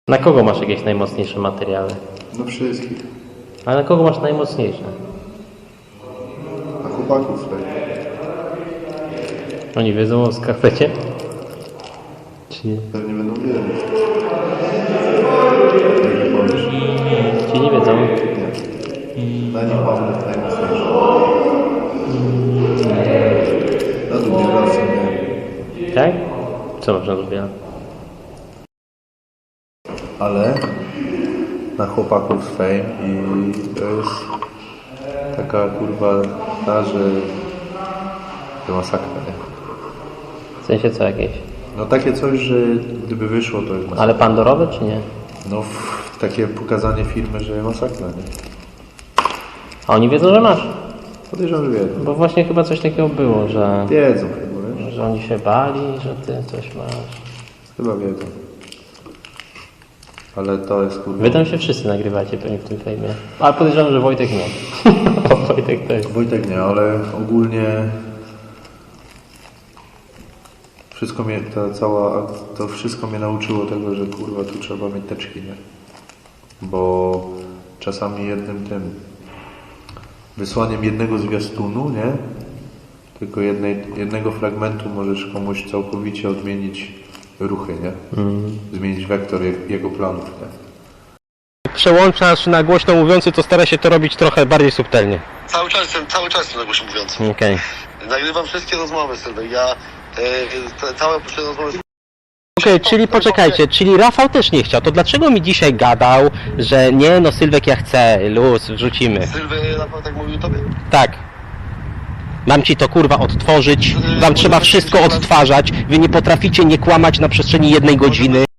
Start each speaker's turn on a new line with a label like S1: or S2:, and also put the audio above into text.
S1: Na kogo masz jakieś najmocniejsze materiały?
S2: No wszystkich.
S1: Ale na kogo masz najmocniejsze?
S2: Na chłopaków tak.
S1: Oni wiedzą o skarpecie? Czy nie?
S2: Pewnie będą wiedzieć. Jak powiesz.
S1: Czy nie wiedzą?
S2: Nie. Na nich mam najmocniejsze. Na drugie raz nie.
S1: Tak? Co masz na lubię?
S2: Ale na chłopaków z Fame i to jest taka kurwa ta, że to masakra, nie?
S1: W sensie co jakieś?
S2: No takie coś, że gdyby wyszło to jest masakra.
S1: Ale pandorowe czy nie?
S2: No takie pokazanie firmy, że masakra, nie?
S1: A oni wiedzą, że masz?
S2: Podejrzewam, że wiedzą.
S1: Bo właśnie chyba coś takiego było, że...
S2: Wiedzą chyba, wiesz?
S1: Że oni się bali, że ty coś masz.
S2: Chyba wiedzą. Ale to jest kurwa...
S1: Wy tam się wszyscy nagrywacie pewnie w tym fejmie. Ale podejrzewam, że Wojtek nie. O, Wojtek to jest.
S2: Wojtek nie, ale ogólnie wszystko mnie, to wszystko mnie nauczyło tego, że kurwa tu trzeba mieć teczki, nie? Bo czasami wysłaniem jednego zwiastunu, nie? Tylko jednego fragmentu możesz komuś całkowicie odmienić ruchy, nie? Zmienić wektor jego planów, nie?
S1: Przełączasz na głośno mówiący, to stara się to robić trochę bardziej subtelnie.
S3: Cały czas jestem na głośno mówiący.
S1: Okej.
S3: Nagrywam wszystkie rozmowy, Sylwek. Ja całe poprzednie rozmowy...
S1: Okej, czyli poczekajcie, czyli Rafał też nie chciał, to dlaczego mi dzisiaj gadał, że nie no Sylwek ja chcę, luz, wrzucimy.
S3: Sylwek naprawdę tak mówił tobie?
S1: Tak. Mam ci to kurwa odtworzyć, wam trzeba wszystko odtwarzać, wy nie potraficie nie kłamać na przestrzeni 1 godziny.